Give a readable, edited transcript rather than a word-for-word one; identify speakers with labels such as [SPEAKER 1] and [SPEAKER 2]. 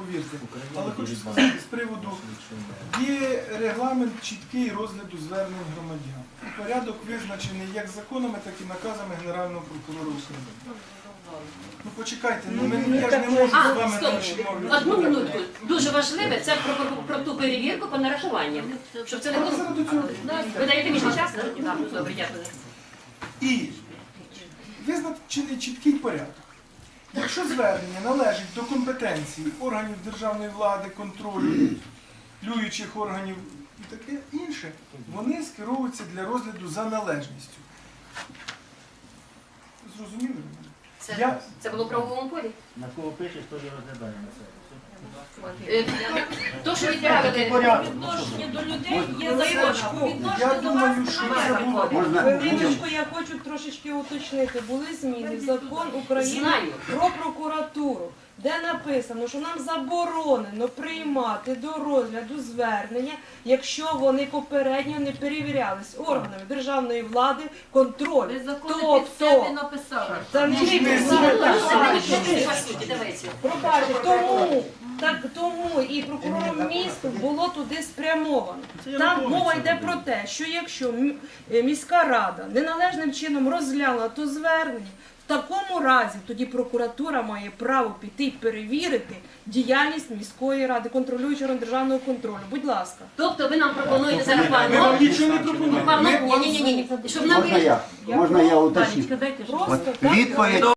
[SPEAKER 1] повірте. Але хочу сказати з приводу, є регламент чіткий розгляду звернень громадян. І порядок визначений як законами, так і наказами Генерального прокурора України. Ну почекайте, я ж не можу з вами
[SPEAKER 2] стоп.
[SPEAKER 1] там ще мовляти.
[SPEAKER 2] Одну минутку. Дуже важливе, це про ту перевірку по нарахуванням. Щоб це не
[SPEAKER 1] Але
[SPEAKER 2] було.
[SPEAKER 1] зараз до цього.
[SPEAKER 2] Ви даєте мені час? Так, добре, дякую.
[SPEAKER 1] І визначений чіткий порядок. Якщо звернення належить до компетенції органів державної влади, контролю, люючих органів і таке інше, вони скеровуються для розгляду за належністю. Зрозуміли мене?
[SPEAKER 2] Це було в правовому полі?
[SPEAKER 3] На кого пишеш, то і розглядаємо на себе.
[SPEAKER 2] То, що відправили...
[SPEAKER 4] Відношення до людей є закон.
[SPEAKER 1] Я думаю, що це було.
[SPEAKER 4] Хвилиночку, я хочу трошечки уточнити. Були зміни в закон України
[SPEAKER 2] Знаю.
[SPEAKER 4] про прокуратуру, де написано, що нам заборонено приймати до розгляду звернення, якщо вони попередньо не перевірялись органами державної влади, контроль. Тобто, це не
[SPEAKER 2] Давайте.
[SPEAKER 4] пробачте, тому і прокурором міста було туди спрямовано. Там мова йде про те, що якщо міська рада неналежним чином розглянула то звернення, в такому разі тоді прокуратура має право піти і перевірити діяльність міської ради, контролюючого державного контролю. Будь ласка.
[SPEAKER 2] Тобто ви нам пропонуєте зараз
[SPEAKER 1] Ми вам нічого не пропонуємо.
[SPEAKER 2] Ні. Щоб нам
[SPEAKER 5] Можна я уточню?
[SPEAKER 4] Просто
[SPEAKER 5] Відповідь